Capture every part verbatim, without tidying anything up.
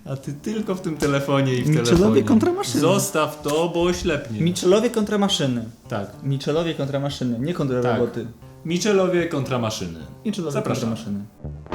A ty tylko w tym telefonie i w Michelowie telefonie. kontra maszyny. Zostaw to, bo oślepnie. Michelowie kontra maszyny. Tak. Michelowie kontra maszyny, nie kontra Tak. roboty. Michelowie kontra maszyny. Michelowie Zapraszam. kontra maszyny.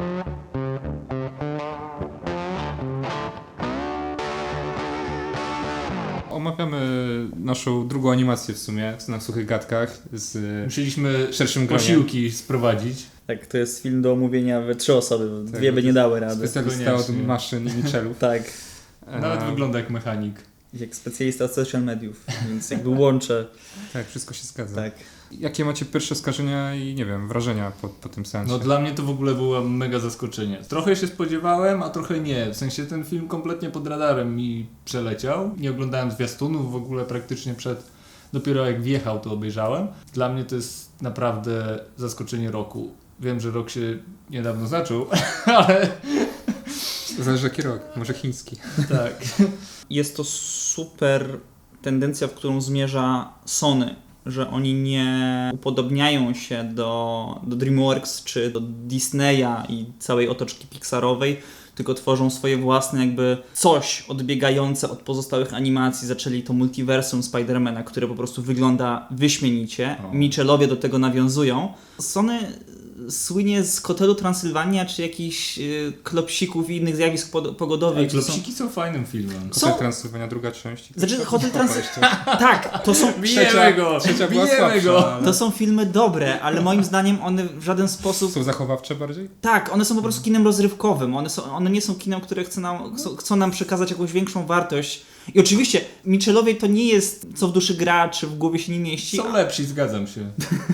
Omawiamy naszą drugą animację w sumie, na Suchych Gadkach z Musieliśmy szerszym gronie. posiłki sprowadzić. Tak, to jest film do omówienia we trzy osoby, bo Tak, dwie by to nie dały rady. Specjalista od Koniecznie. maszyn i Michelów. Tak, Nawet E, wygląda jak mechanik. jak specjalista od social mediów, więc jakby łączę. Tak, wszystko się zgadza. Tak. Jakie macie pierwsze skojarzenia i nie wiem, wrażenia po, po tym seansie? No dla mnie to w ogóle było mega zaskoczenie. Trochę się spodziewałem, a trochę nie. W sensie ten film kompletnie pod radarem mi przeleciał. Nie oglądałem zwiastunów w ogóle praktycznie przed... Dopiero jak wjechał, to obejrzałem. Dla mnie to jest naprawdę zaskoczenie roku. Wiem, że rok się niedawno zaczął, ale Zależy jaki rok, może chiński. tak. Jest to super tendencja, w którą zmierza Sony, że oni nie upodobniają się do, do DreamWorks czy do Disneya i całej otoczki Pixarowej, tylko tworzą swoje własne jakby coś odbiegające od pozostałych animacji. Zaczęli to multiversum Spidermana, które po prostu wygląda wyśmienicie. O. Michelowie do tego nawiązują. Sony słynie z Hotelu Transylwania czy jakichś y, klopsików i innych zjawisk pod- pogodowych. które są- Klopsiki są fajnym filmem. Są- Hotel Transylwania, druga część. Znaczy, Hotel Trans- Jeszcze. Tak, to są, Bijemy go! Trzecia była Bijemy słabsza, go! ale to są filmy dobre, ale moim zdaniem one w żaden sposób... są zachowawcze bardziej? Tak, one są po prostu kinem rozrywkowym. One, są, one nie są kinem, które chce nam, chcą, chcą nam przekazać jakąś większą wartość. I oczywiście Michelowie to nie jest co w duszy gra, czy w głowie się nie mieści, Są lepsi, zgadzam się.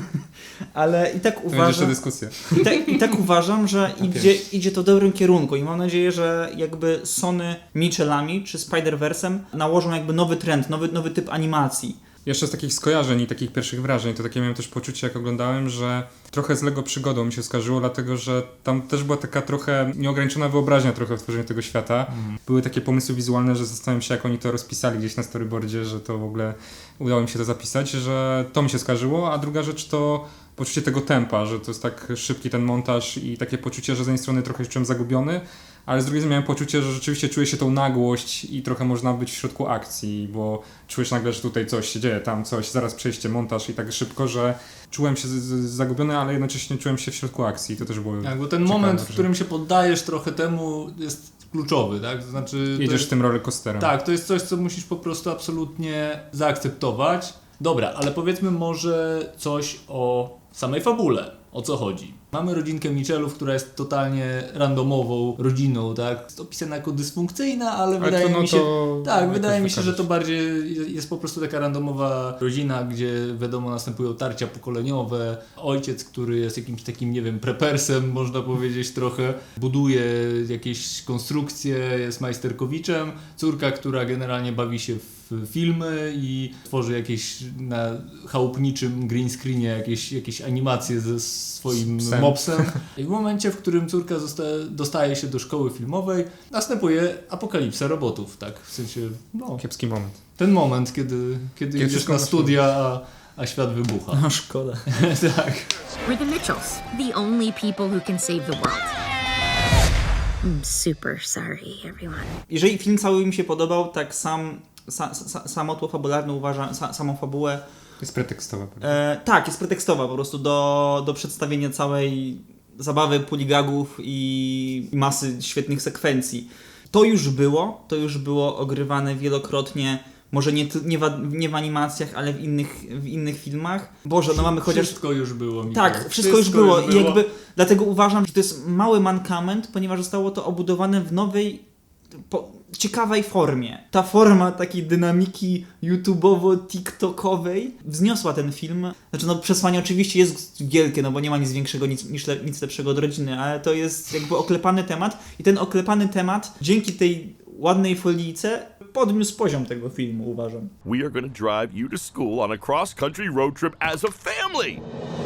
ale i tak To będzie jeszcze uważam, dyskusja. i tak, i tak uważam, że idzie, idzie to w dobrym kierunku i mam nadzieję, że jakby Sony Michelami czy Spider-Versem nałożą jakby nowy trend, nowy, nowy typ animacji. Jeszcze z takich skojarzeń i takich pierwszych wrażeń, to takie miałem też poczucie, jak oglądałem, że trochę z Lego Przygodą mi się skarżyło, dlatego że tam też była taka trochę nieograniczona wyobraźnia trochę w tworzeniu tego świata. Mhm. Były takie pomysły wizualne, że zastanawiam się, jak oni to rozpisali gdzieś na storyboardzie, że to w ogóle udało mi się to zapisać, że to mi się skarżyło, a druga rzecz to poczucie tego tempa, że to jest tak szybki ten montaż i takie poczucie, że z jednej strony trochę się czułem zagubiony, ale z drugiej strony miałem poczucie, że rzeczywiście czuję się tą nagłość i trochę można być w środku akcji, bo czujesz nagle, że tutaj coś się dzieje, tam coś, zaraz przejście, montaż i tak szybko, że czułem się z- z- zagubiony, ale jednocześnie czułem się w środku akcji. To też było Tak, bo ten ciekawe, moment, w że którym się poddajesz trochę temu, jest kluczowy, tak? To znaczy... to jedziesz jest, tym rollercoasterem. tak, to jest coś, co musisz po prostu absolutnie zaakceptować. Dobra, ale powiedzmy może coś o samej fabule. O co chodzi? Mamy rodzinkę Michelów, która jest totalnie randomową rodziną, tak? Jest opisana jako dysfunkcyjna, ale, Ale wydaje to, no, mi się... to Tak, jakoś wydaje mi się, że wykazać. to bardziej jest po prostu taka randomowa rodzina, gdzie wiadomo następują tarcia pokoleniowe. Ojciec, który jest jakimś takim, nie wiem, prepersem, można powiedzieć trochę, buduje jakieś konstrukcje, jest majsterkowiczem. Córka, która generalnie bawi się w filmy i tworzy jakieś na chałupniczym green screenie jakieś, jakieś animacje ze swoim Z psem. mopsem. I w momencie, w którym córka zosta- dostaje się do szkoły filmowej, następuje apokalipsa robotów, tak? W sensie, no, Kiepski moment. ten moment, kiedy, kiedy Kiedy idziesz wszystko na masz studia, a, a świat wybucha. No szkoda. tak. We're the Mitchells, the only people who can save the world. I'm super sorry, everyone. Jeżeli film cały mi się podobał, tak sam, sa, sa, samo tło fabularne uważam, sa, samą fabułę, Jest pretekstowa. prawda? e, tak, jest pretekstowa po prostu do, do przedstawienia całej zabawy, puligagów i masy świetnych sekwencji. To już było, to już było ogrywane wielokrotnie, może nie, ty- nie, w, nie w animacjach, ale w innych, w innych filmach. Boże, no mamy chociaż... Wszystko już było. Mikołaj. Tak, wszystko, już było i jakby dlatego uważam, że to jest mały mankament, ponieważ zostało to obudowane w nowej, po, ciekawej formie. Ta forma takiej dynamiki YouTubeowo-TikTokowej wzniosła ten film. Znaczy no przesłanie oczywiście jest wielkie, no bo nie ma nic większego, nic, niż le, nic lepszego od rodziny, ale to jest jakby oklepany temat i ten oklepany temat dzięki tej ładnej folijce podniósł poziom tego filmu, uważam. We are going to drive you to school on a cross-country road trip as a family.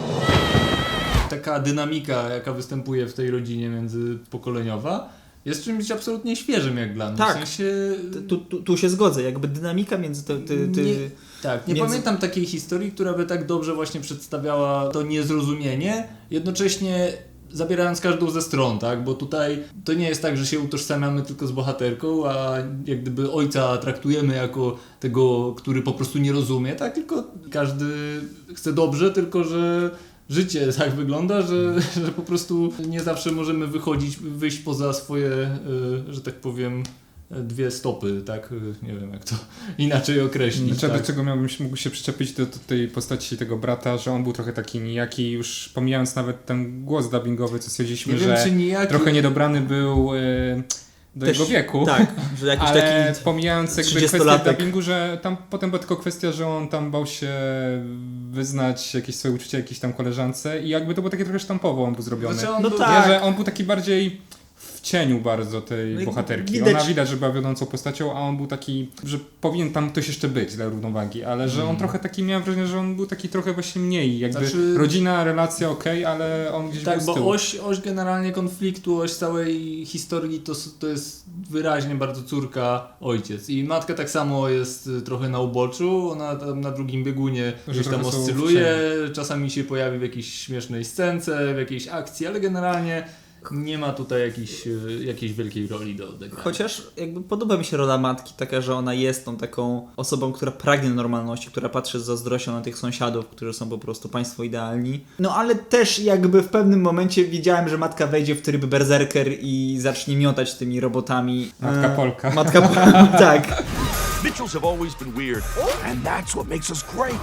Taka dynamika, jaka występuje w tej rodzinie międzypokoleniowa, jest czymś absolutnie świeżym jak dla mnie. Tak. W sensie... Tu, tu, tu się zgodzę, jakby dynamika między ty, ty, ty... Nie, tak, nie między- pamiętam takiej historii, która by tak dobrze właśnie przedstawiała to niezrozumienie, jednocześnie zabierając każdą ze stron, tak? Bo tutaj to nie jest tak, że się utożsamiamy tylko z bohaterką, a jak gdyby ojca traktujemy jako tego, który po prostu nie rozumie, tak? Tylko każdy chce dobrze, tylko że życie tak wygląda, że, że po prostu nie zawsze możemy wychodzić, wyjść poza swoje, y, że tak powiem, dwie stopy, tak? Nie wiem, jak to inaczej określić. Znaczy, tak? do czego miałbym się, mógł się przyczepić do, do tej postaci tego brata, że on był trochę taki nijaki, już pomijając nawet ten głos dubbingowy, co stwierdziliśmy, Nie że wiem, czy nijaki... trochę niedobrany był e, do Też- jego wieku. Tak, że jakiś Ale taki pomijając jakby kwestię trzydziestolatek. dubbingu, że tam potem była tylko kwestia, że on tam bał się wyznać jakieś swoje uczucia jakiejś tam koleżance i jakby to było takie trochę sztampowo on był zrobiony. Znaczy on No był- tak. Nie, że on był taki bardziej w cieniu bardzo tej No i bohaterki. widać- Ona widać, że była wiodącą postacią, a on był taki, że powinien tam ktoś jeszcze być dla równowagi, ale że on trochę taki, miałem wrażenie, że on był taki trochę właśnie mniej, jakby Znaczy- rodzina, relacja okej, ale on gdzieś Tak, był z bo tyłu. oś, oś generalnie konfliktu, oś całej historii to, s- to jest wyraźnie bardzo córka, ojciec. I matka tak samo jest y, trochę na uboczu, ona tam na drugim biegunie Że gdzieś tam trochę są oscyluje, czasami się pojawi w jakiejś śmiesznej scence, w jakiejś akcji, ale generalnie nie ma tutaj jakiejś, y, jakiejś wielkiej roli do odegrania. Chociaż jakby podoba mi się rola matki, taka, że ona jest tą taką osobą, która pragnie normalności, która patrzy z zazdrością na tych sąsiadów, którzy są po prostu państwo idealni. No ale też jakby w pewnym momencie wiedziałem, że matka wejdzie w tryb berserker i zacznie miotać tymi robotami. Matka E, Polka. Matka Polka, tak. Mitchells have always been weird, and that's what makes us great.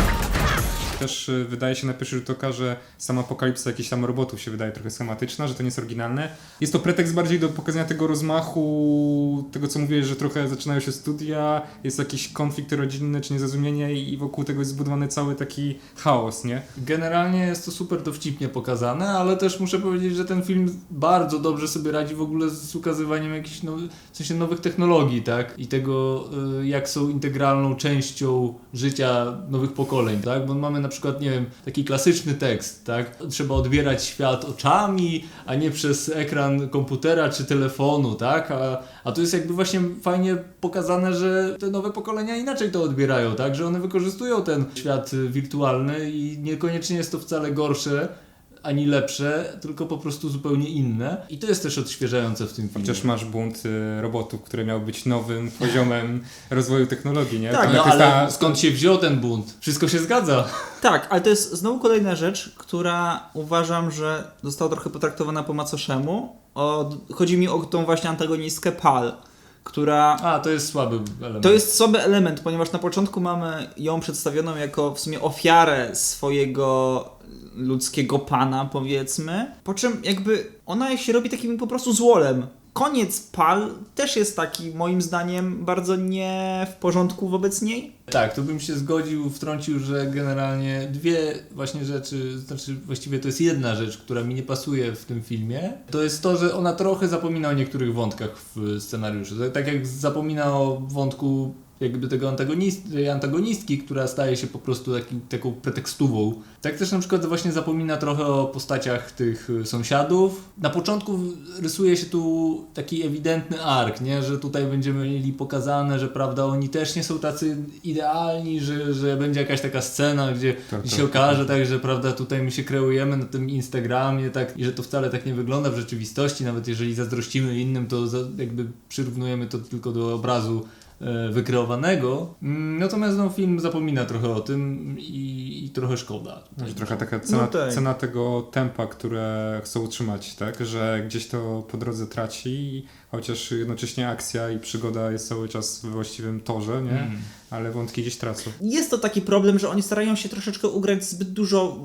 Też y, wydaje się na pierwszy rzut oka, że sama apokalipsa jakichś tam robotów się wydaje trochę schematyczna, że to nie jest oryginalne. Jest to pretekst bardziej do pokazania tego rozmachu, tego co mówiłeś, że trochę zaczynają się studia, jest jakiś konflikt rodzinny czy niezrozumienie i wokół tego jest zbudowany cały taki chaos, nie? Generalnie jest to super dowcipnie pokazane, ale też muszę powiedzieć, że ten film bardzo dobrze sobie radzi w ogóle z ukazywaniem jakichś nowych, w sensie nowych technologii, tak? I tego, y, jak są integralną częścią życia nowych pokoleń, tak? Bo mamy na przykład, nie wiem, taki klasyczny tekst, tak? Trzeba odbierać świat oczami, a nie przez ekran komputera czy telefonu, tak? A, a tu jest jakby właśnie fajnie pokazane, że te nowe pokolenia inaczej to odbierają, tak? Że one wykorzystują ten świat y, wirtualny i niekoniecznie jest to wcale gorsze ani lepsze, tylko po prostu zupełnie inne. I to jest też odświeżające w tym filmie. Chociaż masz bunt y, robotów, które miał być nowym poziomem rozwoju technologii, nie? Tak, Tam No jak jest ale ta- skąd się wziął ten bunt? Wszystko się zgadza. Tak, ale to jest znowu kolejna rzecz, która uważam, że została trochę potraktowana po macoszemu. O, chodzi mi o tą właśnie antagonistkę Pal, która... A, to jest słaby element. To jest słaby element, ponieważ na początku mamy ją przedstawioną jako w sumie ofiarę swojego ludzkiego pana, powiedzmy. Po czym jakby ona się robi takim po prostu złolem. Koniec Pal też jest taki, moim zdaniem, bardzo nie w porządku wobec niej. Tak, tu bym się zgodził, wtrącił, że generalnie dwie właśnie rzeczy, znaczy właściwie to jest jedna rzecz, która mi nie pasuje w tym filmie. To jest to, że ona trochę zapomina o niektórych wątkach w scenariuszu. Tak jak zapomina o wątku jakby tego antagonist, antagonistki, która staje się po prostu taki, taką pretekstową. Tak też na przykład właśnie zapomina trochę o postaciach tych sąsiadów. Na początku rysuje się tu taki ewidentny ark, nie? Że tutaj będziemy mieli pokazane, że prawda, oni też nie są tacy idealni, że, że będzie jakaś taka scena, gdzie, Tak, gdzie tak. się okaże, tak, że prawda, tutaj my się kreujemy na tym Instagramie, tak, i że to wcale tak nie wygląda w rzeczywistości, nawet jeżeli zazdrościmy innym, to za, jakby przyrównujemy to tylko do obrazu wykreowanego. Natomiast no, film zapomina trochę o tym i, i trochę szkoda. Że trochę taka cena, No tak. cena tego tempa, które chcą utrzymać, tak? Że gdzieś to po drodze traci, chociaż jednocześnie akcja i przygoda jest cały czas we właściwym torze, nie? Mm. Ale wątki gdzieś tracą. Jest to taki problem, że oni starają się troszeczkę ugrać zbyt dużo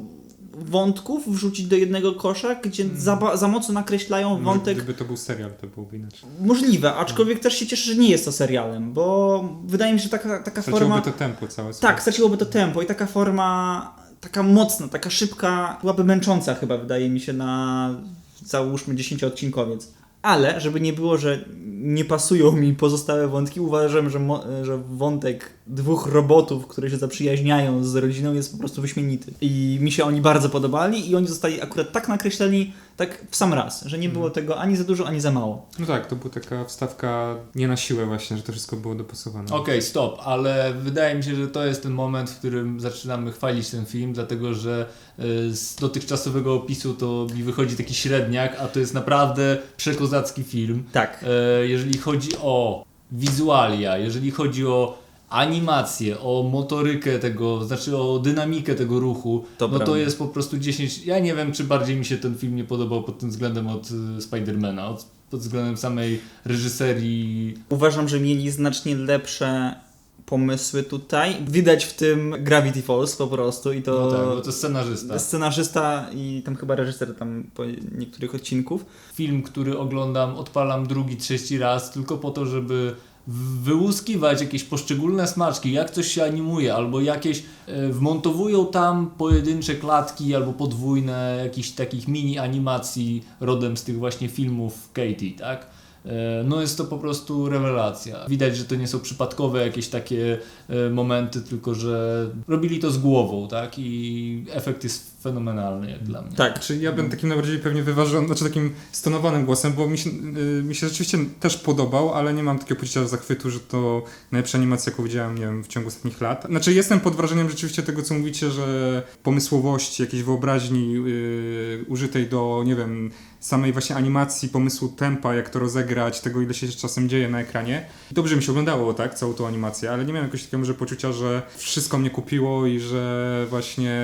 wątków, wrzucić do jednego kosza, gdzie za, ba- za mocno nakreślają Może wątek. Gdyby to był serial, to byłoby inaczej. Możliwe, aczkolwiek też się cieszę, że nie jest to serialem, bo wydaje mi się, że taka, taka Straciłoby forma... to tempo całe. Tak, straciłoby to tempo i taka forma, taka mocna, taka szybka, byłaby męcząca chyba, wydaje mi się, na załóżmy dziesięcioodcinkowiec. Ale, żeby nie było, że nie pasują mi pozostałe wątki, uważam, że, mo- że wątek dwóch robotów, które się zaprzyjaźniają z rodziną, jest po prostu wyśmienity. I mi się oni bardzo podobali i oni zostali akurat tak nakreśleni, tak w sam raz, że nie było tego ani za dużo, ani za mało. No tak, to była taka wstawka nie na siłę właśnie, że to wszystko było dopasowane. Okej, stop, ale wydaje mi się, że to jest ten moment, w którym zaczynamy chwalić ten film, dlatego że y, z dotychczasowego opisu to mi wychodzi taki średniak, a to jest naprawdę przekozacki film. Tak. E, jeżeli chodzi o wizualia, jeżeli chodzi o animację, o motorykę tego, znaczy o dynamikę tego ruchu, To no to prawda. jest po prostu dziesięć. Ja nie wiem, czy bardziej mi się ten film nie podobał pod tym względem od y, Spidermana, od, pod względem samej reżyserii. Uważam, że mieli znacznie lepsze pomysły tutaj. Widać w tym Gravity Falls po prostu i to... No tak, bo to scenarzysta. Scenarzysta i tam chyba reżyser tam po niektórych odcinków. Film, który oglądam, odpalam drugi, trzeci raz, tylko po to, żeby wyłuskiwać jakieś poszczególne smaczki, jak coś się animuje, albo jakieś e, wmontowują tam pojedyncze klatki, albo podwójne, jakichś takich mini animacji rodem z tych właśnie filmów Katie, tak? E, no jest to po prostu rewelacja. Widać, że to nie są przypadkowe jakieś takie e, momenty, tylko że robili to z głową, tak? I efekt jest fenomenalny jak dla mnie. Tak. Czy ja bym takim najbardziej pewnie wyważonym, znaczy takim stonowanym głosem, bo mi się, yy, mi się rzeczywiście też podobał, ale nie mam takiego poczucia zachwytu, że to najlepsza animacja, jaką widziałem, nie wiem, w ciągu ostatnich lat. Znaczy jestem pod wrażeniem rzeczywiście tego, co mówicie, że pomysłowości, jakiejś wyobraźni yy, użytej do, nie wiem, samej właśnie animacji, pomysłu tempa, jak to rozegrać, tego ile się czasem dzieje na ekranie. Dobrze mi się oglądało, tak, całą tą animację, ale nie miałem jakoś takiego może poczucia, że wszystko mnie kupiło i że właśnie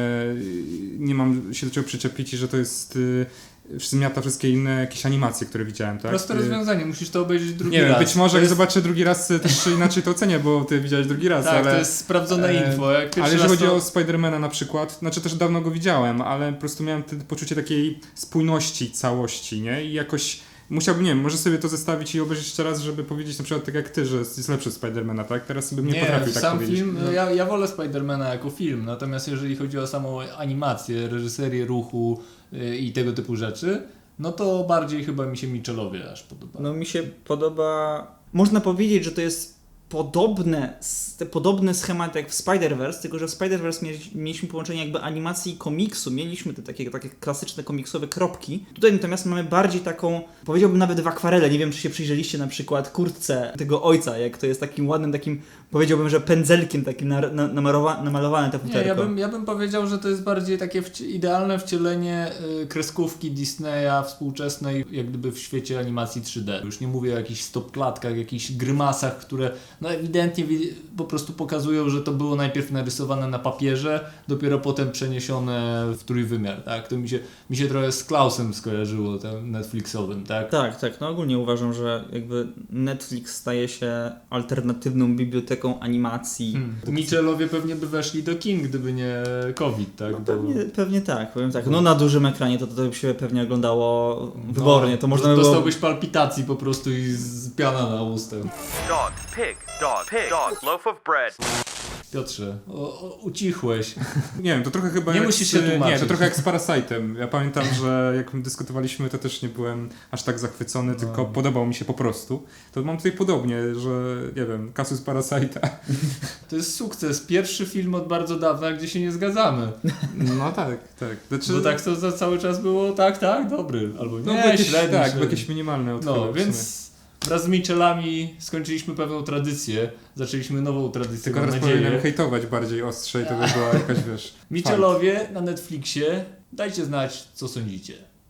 nie mam się do czego przyczepić i że to jest y, zmiata wszystkie inne jakieś animacje, które widziałem, tak? Proste Y, rozwiązanie, musisz to obejrzeć drugi Nie raz. wiem, być może To jak jest... zobaczę drugi raz y, też inaczej to ocenię, bo ty widziałeś drugi raz, Tak, ale... to jest sprawdzone e, info. Jak pierwszy Ale jeżeli raz chodzi to... o Spidermana na przykład, znaczy też dawno go widziałem, ale po prostu miałem te poczucie takiej spójności całości, nie? I jakoś musiałbym, nie wiem, może sobie to zestawić i obejrzeć jeszcze raz, żeby powiedzieć na przykład tak jak ty, że jest lepszy Spidermana, tak? Teraz sobie nie, Nie, potrafił tak sam powiedzieć. film, ja, ja wolę Spidermana jako film, natomiast jeżeli chodzi o samą animację, reżyserię ruchu yy, i tego typu rzeczy, no to bardziej chyba mi się Mitchellowie aż podoba. No mi się podoba... Można powiedzieć, że to jest podobne, s- te podobny schemat jak w Spider-Verse, tylko że w Spider-Verse mieli- mieliśmy połączenie jakby animacji i komiksu, mieliśmy te takie, takie klasyczne komiksowe kropki. Tutaj natomiast mamy bardziej taką, powiedziałbym nawet w akwarele, nie wiem czy się przyjrzeliście na przykład kurtce tego ojca, jak to jest takim ładnym takim, powiedziałbym, że pędzelkiem takim na, na, namarowa, namalowane te Nie, futerko. ja bym, ja bym powiedział, że to jest bardziej takie wci- idealne wcielenie y, kreskówki Disneya współczesnej, jak gdyby w świecie animacji trzy D. Już nie mówię o jakichś stopklatkach, jakichś grymasach, które no ewidentnie wi- po prostu pokazują, że to było najpierw narysowane na papierze, dopiero potem przeniesione w trójwymiar, tak? To mi się, mi się trochę z Klausem skojarzyło, tym Netflixowym, tak? Tak, tak. No ogólnie uważam, że jakby Netflix staje się alternatywną biblioteką animacji. Hmm. Mitchellowie pewnie by weszli do kin, gdyby nie COVID, tak? No, Bo- pewnie, pewnie tak, powiem tak. No na dużym ekranie to, to by się pewnie oglądało wybornie, to można by było... Dostałbyś palpitacji po prostu i z piana na ustę. Dog, pig, dog, pig, dog, loaf of bread. Piotrze, o, o, ucichłeś. Nie wiem, to trochę chyba Nie jak musisz z, się tłumaczyć. Nie, to trochę jak z Parasite'em. Ja pamiętam, że jak dyskutowaliśmy, to też nie byłem aż tak zachwycony, No. tylko podobał mi się po prostu. To mam tutaj podobnie, że nie wiem, kasus Parasite'a. To jest sukces. Pierwszy film od bardzo dawna, gdzie się nie zgadzamy. No tak, tak. Znaczy, Bo tak to za cały czas było tak, tak, dobry. Albo nie, no, bo jakieś, średni, tak, średni. bo jakieś minimalne odchody. No, w sumie. więc wraz z Mitchellami skończyliśmy pewną tradycję. Zaczęliśmy nową tradycję, Tylko mam teraz nadzieję. powinienem hejtować bardziej ostrzej, to by była jakaś, wiesz... Mitchellowie na Netflixie. Dajcie znać, co sądzicie.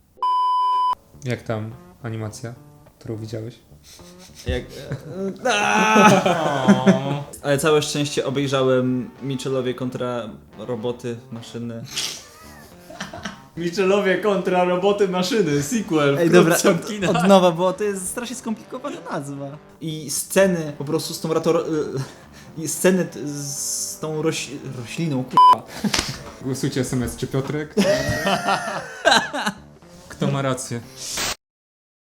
fakt. Jak tam animacja, którą widziałeś? Jak... Ale całe szczęście obejrzałem Mitchellowie kontra roboty, maszyny. Mitchellowie kontra roboty maszyny, sequel. Ej, dobra, wkrótce w od, kinach. od nowa, bo to jest strasznie skomplikowana nazwa. I sceny po prostu z tą rator... I sceny t- z tą roś... rośliną, k***a. Głosujcie S M S, czy Piotrek? Kto ma rację?